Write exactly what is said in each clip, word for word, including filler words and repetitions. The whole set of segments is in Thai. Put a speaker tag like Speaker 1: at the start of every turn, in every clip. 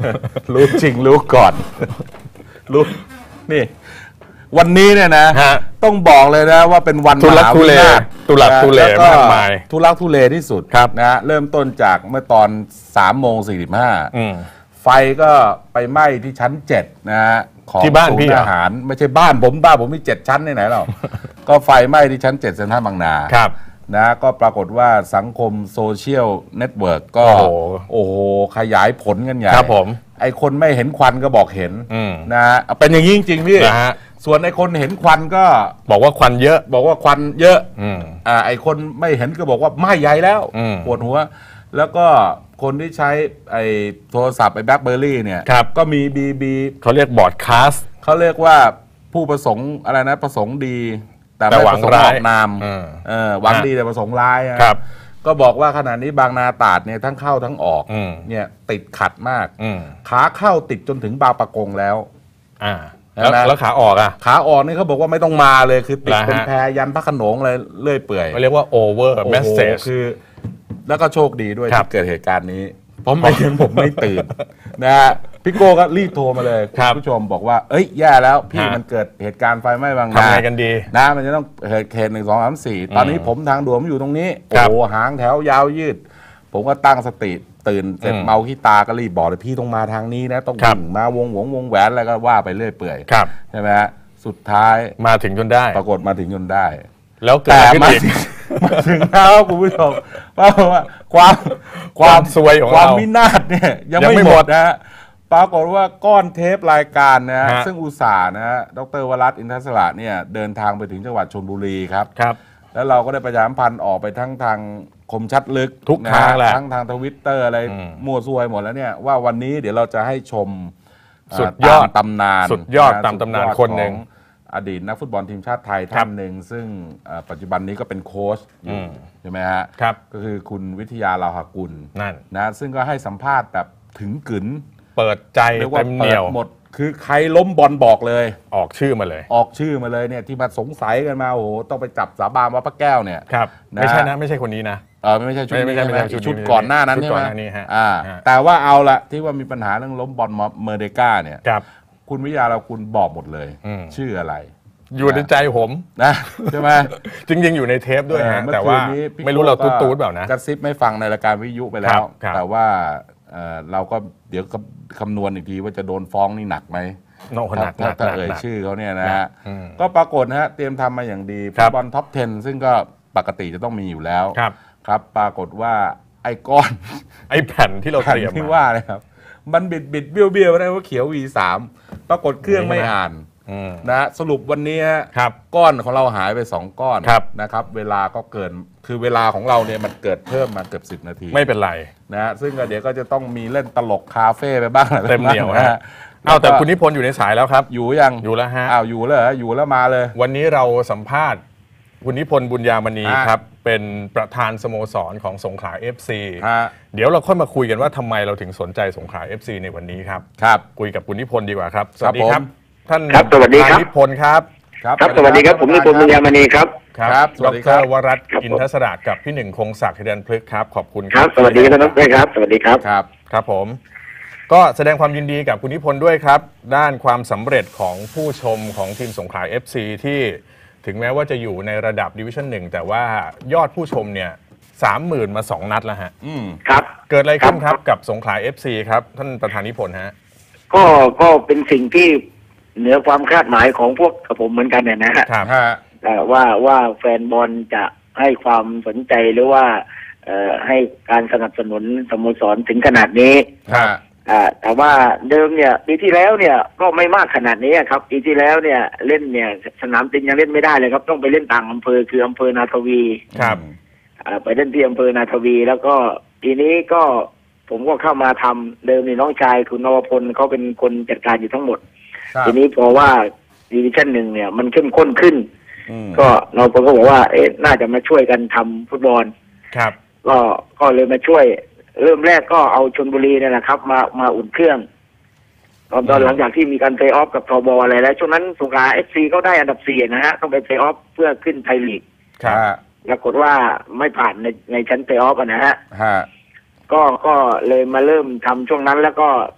Speaker 1: รู้จริงรู้ก่อนรู้นี่วันนี้เนี่ยนะต้องบอกเลยนะว่าเป็นวัน
Speaker 2: ทุลักทุเลทุลักทุเลมากมาย
Speaker 1: ทุลักทุเลที่สุดนะเริ่มต้นจากเมื่อตอนสามโมงสี่สิบห้าไฟก็ไปไหม้ที่ชั้นเจ็ดนะฮะของ
Speaker 2: ที่บ้านพี่
Speaker 1: อาหารไม่ใช่บ้านผมบ้านผมมีเจ็ดชั้นไหนๆหรอกก็ไฟไหม้ที่ชั้นเจ็ดเซ็นทรัลบางนา
Speaker 2: ครับ
Speaker 1: นะก็ปรากฏว่าสังคมโซเชียลเน็ตเวิร์กก็โอ้โหขยายผลกันใหญ่
Speaker 2: ครับผม
Speaker 1: ไอคนไม่เห็นควันก็บอกเห็นนะเป็นอย่างนี้จริงๆพี่ส่วนไอคนเห็นควันก็
Speaker 2: บอกว่าควันเยอะ
Speaker 1: บอกว่าควันเยอะอ่าไอคนไม่เห็นก็บอกว่าไหม้ใหญ่แล้วปวดหัวแล้วก็คนที่ใช้ไอโทรศัพท์ไอแบล็คเบอร์รี่เนี่ยก็มีบีบี
Speaker 2: เขาเรียกบอร์ดคาส
Speaker 1: เขาเรียกว่าผู้ประสงค์อะไรนะประสงค์ดีแต่ไม่ประสงค์ออกนามเออหวังดีแต่ประสงค์ร้าย
Speaker 2: ครับ
Speaker 1: ก็บอกว่าขณะนี้บางนาตราดเนี่ยทั้งเข้าทั้งออกเนี่ยติดขัดมากขาเข้าติดจนถึงบางปะกงแล้ว
Speaker 2: อ่าแล้วขาออกอ่ะ
Speaker 1: ขาออกนี่เขาบอกว่าไม่ต้องมาเลยคือติดเป็นแพยันพระโขนงเลยเลื่อยเปื่อย
Speaker 2: เขาเรียกว่าโอเวอร์เมสเซจ
Speaker 1: คือแล้วก็โชคดีด้วยที่เกิดเหตุการณ์นี้เพราะไม่งั้นผมไม่ตื่นนะฮะพี่โก้ก็รีบโทรมาเลยคุณผู้ชมบอกว่าเอ้ยแย่แล้วพี่มันเกิดเหตุการณ์ไฟไหม้บางนา
Speaker 2: ทำไงกันดี
Speaker 1: นะมันจะต้องเหตุเหตุหนึ่งสองสามสี่ตอนนี้ผมทางด่วนผมอยู่ตรงนี้โอ้โหหางแถวยาวยืดผมก็ตั้งสติตื่นเสร็จเมาขี้ตาก็รีบบอกเลยพี่ต้องมาทางนี้นะต้องวิ่งมาวงวงวงแหวนอะไรก็ว่าไปเรื่อยเปื่อยใช่ไหมฮะสุดท้าย
Speaker 2: มาถึงจนได้
Speaker 1: ปรากฏมาถึงจนได้
Speaker 2: แล้วเกิดอะไรขึ้นอีก
Speaker 1: มาถึงแล้วคุณผู้ชมว่าความ
Speaker 2: ความซวยของเรา
Speaker 1: ความวินาศเนี่ยยังไม่หมดนะฮะปรากฏว่าก้อนเทปรายการนะฮะซึ่งอุตส่าห์นะฮะดร.วรัตน์อินทศระเนี่ยเดินทางไปถึงจังหวัดชลบุรีครับ
Speaker 2: ครับ
Speaker 1: แล้วเราก็ได้ประชาสัมพันธ์ออกไปทั้งทางคมชัดลึก
Speaker 2: ทุกทางแหละ
Speaker 1: ทั้งทางทวิตเตอร์อะไรมั่วซวยหมดแล้วเนี่ยว่าวันนี้เดี๋ยวเราจะให้ชม
Speaker 2: สุดยอด
Speaker 1: ตำนาน
Speaker 2: สุดยอดตามตำนานคนหนึ่ง
Speaker 1: อดีตนักฟุตบอลทีมชาติไทยท่านหนึ่งซึ่งปัจจุบันนี้ก็เป็นโค้ชอยู่ใช่ไหมฮะก็คือคุณวิทยาลาหกุล
Speaker 2: นั่น
Speaker 1: นะซึ่งก็ให้สัมภาษณ์แบบถึงกึ๋น
Speaker 2: เปิดใจเต็มเหนียว
Speaker 1: หมดคือใครล้มบอลบอกเลย
Speaker 2: ออกชื่อมาเลย
Speaker 1: ออกชื่อมาเลยเนี่ยที่มาสงสัยกันมาโอ้โหต้องไปจับสาบานว่าพระแก้วเนี่ย
Speaker 2: ครับไม่ใช่นะไม่ใช่คนนี้นะ
Speaker 1: เออไม่ใช่ชุดนี้ใช่ไหมชุดก่อนหน้านั้นใช่ไหมอ่าแต่ว่าเอาละที่ว่ามีปัญหาเรื่องล้มบอลเมอร์เดก้าเนี่ยคุณวิทยาเราคุณบอกหมดเลยชื่ออะไร
Speaker 2: อยู่ในใจผม
Speaker 1: นะใช่ไหม
Speaker 2: จริงๆอยู่ในเทปด้วยฮะแต่ว่าไม่รู้เราตูดๆเปล่านะ
Speaker 1: กระซิบไม่ฟังในรายการวิทยุไปแล้วแต่ว่าเราก็เดี๋ยวคำนวณอีกทีว่าจะโดนฟ้องนี่หนักไหมถ้าถ้าเอ่ยชื่อเขาเนี่ยนะฮะก็ปรากฏนะฮะเตรียมทำมาอย่างดีฟุตบอลท็อปสิบซึ่งก็ปกติจะต้องมีอยู่แล้วครับปรากฏว่าไอ้ก้อน
Speaker 2: ไอ้แผ่นที่เราเตรียม
Speaker 1: ที่ว่าเลยครับมันบิดบิดเบี้ยวเบี้ยวได้ว่าเขียว วี สาม ปรากฏเครื่องไม่อ่านนะสรุปวันนี้ก้อนของเราหายไปสองก้อนนะครับเวลาก็เกินคือเวลาของเราเนี่ยมันเกิดเพิ่มมาเกือบสิบนาที
Speaker 2: ไม่เป็นไร
Speaker 1: นะซึ่งเดี๋ยวก็จะต้องมีเล่นตลกคาเฟ่ไปบ้าง
Speaker 2: เต็มเหนียวนะเอาแต่คุณนิพนธ์อยู่ในสายแล้วครับ
Speaker 1: อยู่ยัง
Speaker 2: อยู่แล้วฮะ
Speaker 1: อ้าวอยู่เลยอยู่แล้วมาเลย
Speaker 2: วันนี้เราสัมภาษณ์คุณนิพนธ์บุญญามณีครับเป็นประธานสโมสรของสงขลา เอฟ ซี เดี๋ยวเราค่อยมาคุยกันว่าทำไมเราถึงสนใจสงขลา เอฟ ซี ในวันนี้ครับ
Speaker 1: ครับ
Speaker 2: คุยกับคุณนิพนธ์ดีกว่าครับสวัสดีครับท่าน
Speaker 3: ครับสวัสดีครับ
Speaker 2: นิพนธ์ครับ
Speaker 3: ครับสวัสดีครับผมนิพนธ์บุญญามณีครับ
Speaker 2: ครับดร.วรัตน์อินทศระกับพี่หนึ่งคงศักดิ์เดนพฤกษ์ครับขอบคุณ
Speaker 3: ครับสวัสดีครับท่านด้วยครับสวัสดีครับ
Speaker 1: ครับ
Speaker 2: ครับผมก็แสดงความยินดีกับคุณนิพนธ์ด้วยครับด้านความสำเร็จของผู้ชมของทีมสงขลา เอฟ ซี ที่ถึงแม้ว่าจะอยู่ในระดับดิวิชั่นหนึ่งแต่ว่ายอดผู้ชมเนี่ยสามหมื่นมาสองนัดแล้วฮะ
Speaker 1: อืม
Speaker 3: ครับ
Speaker 2: เกิดอะไรขึ้นครับกับสงขลา เอฟ ซี ครับท่านประธานนิพนธ์ฮะ
Speaker 3: ก็ก็เป็นสิ่งที่เหนือความคาดหมายของพวกผมเหมือนกันเนี่ยนะฮะว่าว่าแฟนบอลจะให้ความสนใจหรือว่าให้การสนับสนุนสโมสรถึงขนาดนี้แต่ว่าเดิมเนี่ยปีที่แล้วเนี่ยก็ไม่มากขนาดนี้ครับปีที่แล้วเนี่ยเล่นเนี่ยสนามจริงยังเล่นไม่ได้เลยครับต้องไปเล่นต่างอำเภอคืออำเภอนาทวี
Speaker 2: ครับ
Speaker 3: ไปเล่นที่อำเภอนาทวีแล้วก็ปีนี้ก็ผมก็เข้ามาทำเดิมนี่น้องชายคุณนวพลเขาเป็นคนจัดการอยู่ทั้งหมดทีนี้พอว่าดิวิชั่นหนึ่งเนี่ยมันเข้มข้นขึ้นก็เราก็บอกว่าเอ๊ะน่าจะมาช่วยกันทำฟุตบอล
Speaker 2: ครับ
Speaker 3: ก็ก็เลยมาช่วยเริ่มแรกก็เอาชลบุรีเนี่ยแหละครับมามาอุ่นเครื่องตอนตอนหลังจากที่มีการเพลย์ออฟกับทบอะไรแล้วช่วงนั้นสงขลา เอฟ ซี เขาได้อันดับสี่นะฮะต้องไปเพลย์ออฟเพื่อขึ้นไทยลีกปรากฏว่าไม่ผ่านในในชั้นเพลย์ออฟนะฮะก็ก็เลยมาเริ่มทำช่วงนั้นแล้วก็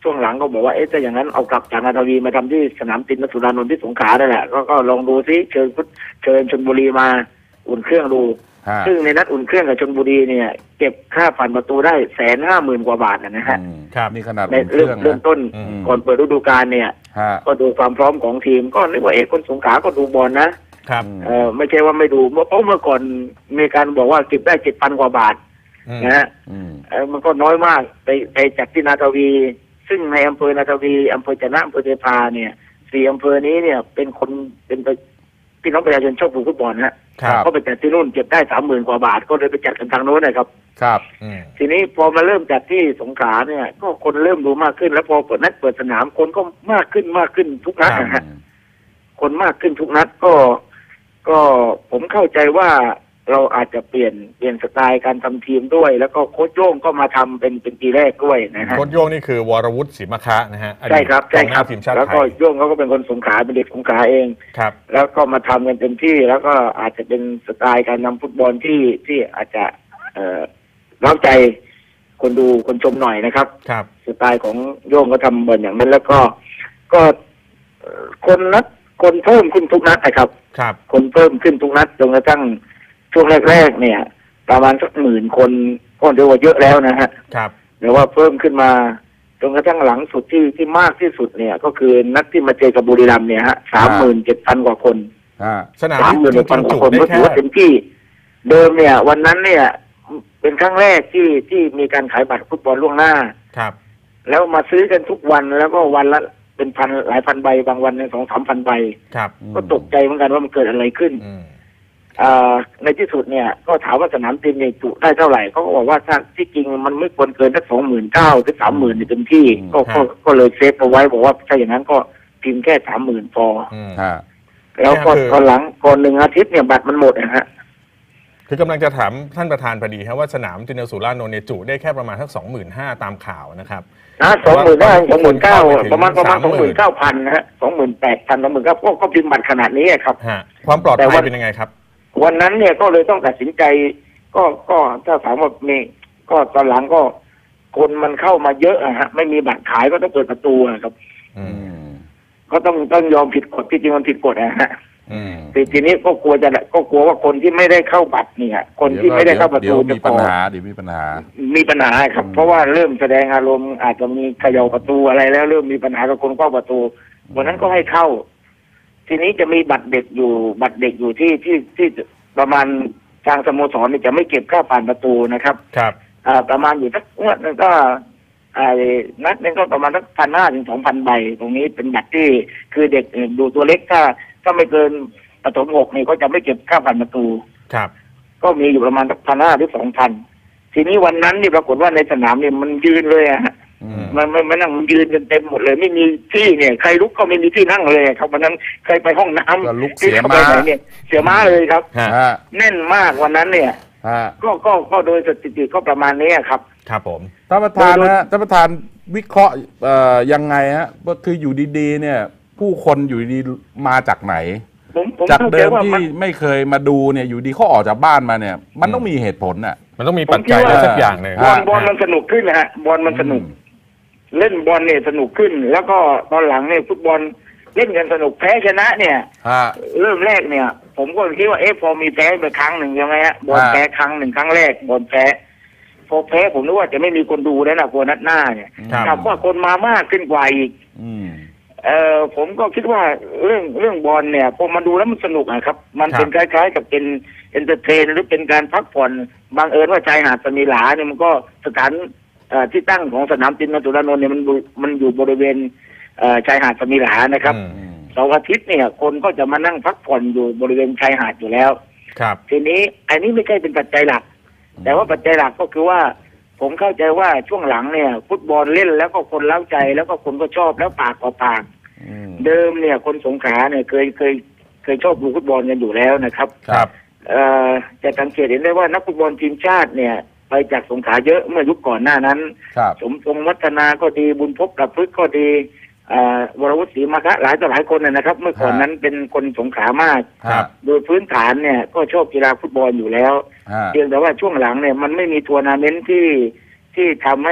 Speaker 3: ช่วงหลังก็บอกว่าเอ๊ะถ้าอย่างนั้นเอากลับจากนาทวีมาทำที่สนามตินสุรานนท์ที่สงขลาได้แหละก็ก็ลองดูซิเชิญเชิญชลบุรีมาอุ่นเครื่องดูซึ่งในนัดอุ่นเครื่องกับชลบุรีเนี่ยเก็บค่าผ่านประตูได้แสนห้าหมื่นกว่าบาทนะฮะ
Speaker 1: ครับนี่ขนาด
Speaker 3: ในเริ่มเริ่มต้นก่อนเปิดฤดูกาลเนี่ยก็ดูความพร้อมของทีมก็นึกว่าเอ๊ะคนสงขลาก็ดูบอลนะครับเออไม่ใช่ว่าไม่ดูเพราะเมื่อก่อนมีการบอกว่าเก็บได้เจ็ดพันกว่าบาทนะฮะมันก็น้อยมากไปไปจากที่นาทวีซึ่งในอำเภอนาทวีอำเภอจะนะอำเภอเทพาเนี่ยสี่อำเภอนี้เนี่ยเป็นคนเป็นพี่น้องประชาชนชอบดูฟุตบอลฮะก็ไปจัดที่นู่นเก็บได้สามหมื่นกว่าบาทก็เลยไปจัดกันทางโน้นนะครับ
Speaker 1: ครับ
Speaker 3: ทีนี้พอมาเริ่มจัดที่สงขลาเนี่ยก็คนเริ่มดูมากขึ้นแล้วพอเปิดนัดเปิดสนามคนก็มากขึ้นมากขึ้นทุกนัดนะฮะคนมากขึ้นทุกนัดก็ก็ผมเข้าใจว่าเราอาจจะเปลี่ยนเปลี่ยนสไตล์การทำทีมด้วยแล้วก็โค้ชโย่งก็มาทำเป็นเป็นปีแรกด้วยนะฮะ
Speaker 2: โค้ชโย่งนี่คือวรวุฒิศรีมะคะนะฮะ
Speaker 3: ใช่ครับใช่ครับแล้วก็โย่งเขาก็เป็นคนสงขลาเป็นเด็กสงขลาเอง
Speaker 2: ครับ
Speaker 3: แล้วก็มาทำกันเต็มที่แล้วก็อาจจะเป็นสไตล์การนำฟุตบอลที่ที่อาจจะเอ่อเร้าใจคนดูคนชมหน่อยนะครับ
Speaker 2: ครับ
Speaker 3: สไตล์ของโย่งก็ทำบอลอย่างนั้นแล้วก็ก็คนนัดคนเพิ่มขึ้นทุกนัดนะครับ
Speaker 2: ครับ
Speaker 3: คนเพิ่มขึ้นทุกนัดจนกระทั่งช่วงแรกๆเนี่ยประมาณสักหมื่นคนก็เรียกว่าเยอะแล้วนะฮะ
Speaker 2: ครับ
Speaker 3: แต่ว่าเพิ่มขึ้นมาจนกระทั่งหลังสุดที่ที่มากที่สุดเนี่ยก็คือนัดที่มาเจอกับบุรีรัมย์เนี่ยฮะสามหมื่นเจ็ดพันกว่าคน
Speaker 2: สนาม
Speaker 3: สามหมื่นพันกว่าคนก็ถือว่าเต็มที่เดิมเนี่ยวันนั้นเนี่ยเป็นครั้งแรกที่ที่มีการขายบัตรฟุตบอลล่วงหน้า
Speaker 2: ครับ
Speaker 3: แล้วมาซื้อกันทุกวันแล้วก็วันละเป็นพันหลายพันใบบางวันสองสามพันใบ
Speaker 2: ครับ
Speaker 3: ก็ตกใจเหมือนกันว่ามันเกิดอะไรขึ้นในที่สุดเนี่ยก็ถามว่าสนามเต็มเนี่ยจุได้เท่าไหร่เขาก็บอกว่าถ้าที่จริงมันไม่ควรเกินสักสองหมื่นเก้าถึงสามหมื่นในเต็มที่ก็ก็ก็เลยเซฟเอาไว้บอกว่าถ้าอย่างนั้นก็พิมพ์แค่สามหมื่นพอแล้วก็ตอนหลังก่อนหนึ่งอาทิตย์เนี่ยบัตรมันหมดนะฮะ
Speaker 2: คือกำลังจะถามท่านประธานพอดีครับว่าสนามตินสุรานนท์เนี่ยจุได้แค่ประมาณสักสองหมื่นห้าตามข่าวนะครับ
Speaker 3: อ่าสองหมื่นห้าสองหมื่นเก้าประมาณประมาณสองหมื่นเก้าพันนะฮะสองหมื่นแปดพันสองหมื่นเก้าก็ก็พิมพ์บัตรขนาดนี้ครับ
Speaker 2: ความปลอดภัยเป็นยังไงครับ
Speaker 3: วันนั้นเนี่ยก็เลยต้องตัดสินใจก็ก็ถ้าถามว่ามีก็ตอนหลังก็คนมันเข้ามาเยอะอะฮะไม่มีบัตรขายก็ต้องเปิดประตูครับก็ต้องต้องยอมผิดกฎที่จริงมันผิดกฎนะฮะทีนี้ก็กลัวจะก็กลัวว่าคนที่ไม่ได้เข้าบัตรเนี่ยคนที่ไม่ได้เข้าประตู
Speaker 1: มีปัญหาเดี๋ยวมีปัญหา
Speaker 3: มีปัญหาครับเพราะว่าเริ่มแสดงอารมณ์อาจจะมีเขย่าประตูอะไรแล้วเริ่มมีปัญหากับคนเข้าประตูวันนั้นก็ให้เข้าทีนี้จะมีบัตรเด็กอยู่บัตรเด็กอยู่ที่ที่ที่ประมาณทางสโมสรเนี่ยจะไม่เก็บค่าผ่านประตูนะครับ
Speaker 2: ครับ
Speaker 3: อ่าประมาณอยู่สักงวดนึงก็ไอ้นัดนึงก็ประมาณสักพันห้าถึงสองพันใบตรงนี้เป็นบัตรที่คือเด็กดูตัวเล็กถ้าถ้าไม่เกินประถมหกนี่ก็จะไม่เก็บค่าผ่านประตู
Speaker 2: ครับ
Speaker 3: ก็มีอยู่ประมาณสักพันห้าถึงสองพันทีนี้วันนั้นนี่ปรากฏว่าในสนามเนี่ยมันยืนเลยอะมันไม่ไม่นั่งมันยืนกันเต็มหมดเลยไม่มีที่เนี่ยใครลุกก็ไม่มีที่นั่งเลยครับวันนั้นใครไปห้องน้
Speaker 1: ำที่เข้าไปไหน
Speaker 3: เนี่ยเสียม้าเลยครับแน่นมากวันนั้นเนี่ยก็ก็ก็โดยสถิติก็ประมาณนี้ครับ
Speaker 2: ครับผม
Speaker 1: ท่านประธานนะท่านประธานวิเคราะห์ยังไงฮะว่าคืออยู่ดีๆเนี่ยผู้คนอยู่ดีมาจากไหนจากเดิมที่ไม่เคยมาดูเนี่ยอยู่ดีเขาออกจากบ้านมาเนี่ยมันต้องมีเหตุผลน่ะ
Speaker 2: มันต้องมีปัจจัยอะไรสักอย่างหนึ่ง
Speaker 3: บอลบอลมันสนุกขึ้นนะฮะบอลมันสนุกเล่นบอลเนี่ยสนุกขึ้นแล้วก็ตอนหลังเนี่ยฟุตบอลเล่นกันสนุกแพ้ชนะเนี่ยเริ่มแรกเนี่ยผมก็คิดว่าเอ๊ะพอมีแพ้ไปครั้งหนึ่งใช่ไหมฮะบอลแพ้ครั้งหนึ่งครั้งแรกบอลแพ้พอแพ้ผมนึกว่าจะไม่มีคนดูแล้วนะกลัวนัดหน้าเนี่ยกลับว่าคนมามากขึ้นกว่าอีกเออผมก็คิดว่าเรื่องเรื่องบอลเนี่ยพอมาดูแล้วมันสนุกนะครับมันเป็นคล้ายๆกับเป็นเอนเตอร์เทนหรือเป็นการพักผ่อนบางเอิญว่าชายหาดสมิหลาเนี่ยมันก็สถานที่ตั้งของสนามตินสุรานนท์เนี่ยมันมันอยู่บริเวณชายหาดสมิหลานะครับเสาร์อาทิตย์เนี่ยคนก็จะมานั่งพักผ่อนอยู่บริเวณชายหาดอยู่แล้ว
Speaker 2: ครับ
Speaker 3: ทีนี้อันนี้ไม่ใช่เป็นปัจจัยหลักแต่ว่าปัจจัยหลักก็คือว่าผมเข้าใจว่าช่วงหลังเนี่ยฟุตบอลเล่นแล้วก็คนเล้าใจแล้วก็คนก็ชอบแล้วปากต่อปากเดิมเนี่ยคนสงขลาเนี่ยเคยเคยเคยชอบดูฟุตบอลกันอยู่แล้วนะครับ
Speaker 2: ครับ
Speaker 3: เอ่อจะสังเกตเห็นได้ว่านักฟุตบอลทีมชาติเนี่ยไปจากสงขลาเยอะเมื่อยุคก่อนหน้านั้นสมทรงวัฒนาก็ดีบุญพบประพฤกษ์ก็ดีวรวุฒิศรีมะคะหลายต่อหลายคนนะครับเมื่อก่อนนั้นเป็นคนสงขลามากโดยพื้นฐานเนี่ยก็ชอบกีฬาฟุตบอลอยู่แล้วเพียงแต่ว่าช่วงหลังเนี่ยมันไม่มีทัวร์นาเมนต์ที่ที่ทำให้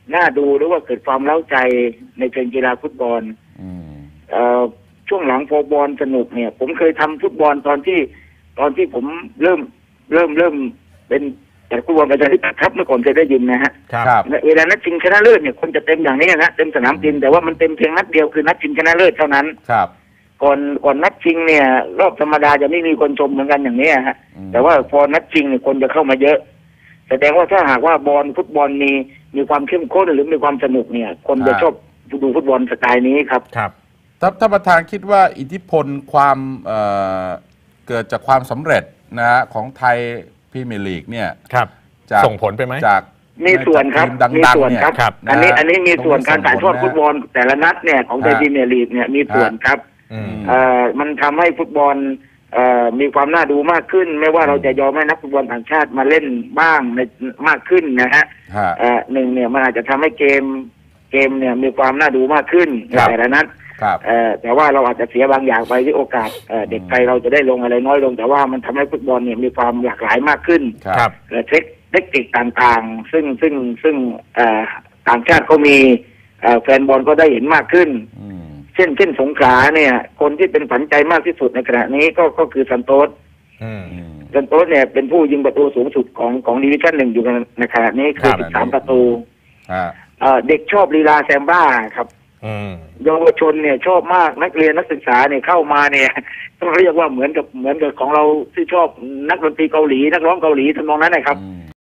Speaker 3: น่าดูหรือว่าเกิดความเล้าใจในเชิงกีฬาฟุตบอลเอ่อช่วงหลังพอบอลสนุกเนี่ยผมเคยทำฟุตบอลตอนที่ตอนที่ผมเริ่มเริ่มเริ่มเป็นแต่ฟุตบอลประชาธิปไตยครับเมื่อก่อนเคยได้ยินนะฮะ
Speaker 2: ครับ
Speaker 3: เวลานัดชิงชนะเลิศเนี่ยคนจะเต็มอย่างนี้นะเต็มสนามจริงแต่ว่ามันเต็มเพียงนัดเดียวคือนัดชิงชนะเลิศเท่านั้น
Speaker 1: ครับ
Speaker 3: ก่อนก่อนนัดชิงเนี่ยรอบธรรมดาจะไม่มีคนชมเหมือนกันอย่างนี้ฮะแต่ว่าพอนัดชิงเนี่ยคนจะเข้ามาเยอะแสดงว่าถ้าหากว่าบอลฟุตบอลมีมีความเข้มข้นหรือมีความสนุกเนี่ยคนจะชอบดูฟุตบอลสไตล์นี้ครับ
Speaker 2: ครับ
Speaker 1: ท่านท่านประธานคิดว่าอิทธิพลความเอ่อเกิดจากความสำเร็จนะฮะของไทยพรีเมียร์ลีกเนี่ย
Speaker 2: ครับส่งผลไปไหม
Speaker 1: จาก
Speaker 3: มีส่วนครับมีส่วนครับอันนี้อันนี้มีส่วนการถ่ายทอดฟุตบอลแต่ละนัดเนี่ยของไทยพรีเมียร์ลีกเนี่ยมีส่วนครับเอ่อมันทำให้ฟุตบอลเอ่อมีความน่าดูมากขึ้นไม่ว่าเราจะยอมให้นักฟุตบอลต่างชาติมาเล่นบ้างในมากขึ้นนะฮะเอ่อหนึ่งเนี่ยมันอาจจะทำให้เกมเกมเนี่ยมีความน่าดูมากขึ้นแต่ละนัดแต่ว่าเราอาจจะเสียบางอย่างไปที่โอกาสเด็กไทยเราจะได้ลงอะไรน้อยลงแต่ว่ามันทำให้ฟุตบอลเนี่ยมีความหลากหลายมากขึ้นเทคเทคนิคต่างๆซึ่งซึ่งซึ่งต่างชาติก็มีแฟนบอลก็ได้เห็นมากขึ้นเช่นเช่นสงขลาเนี่ยคนที่เป็นฝันใจมากที่สุดในขณะนี้ก็ก็คือซันโตสซันโตสเนี่ยเป็นผู้ยิงประตูสูงสุดของของดิวิชั่นหนึ่งอยู่ในขณะนี้คือสิบสามประตูเด็กชอบลีลาแซมบ้าครับเยาวชนเนี่ยชอบมากนักเรียนนักศึกษาเนี่ยเข้ามาเนี่ยต้องเรียกว่าเหมือนกับเหมือนกับของเราที่ชอบนักดนตรีเกาหลีนักร้องเกาหลีทำนองนั้นนะครับ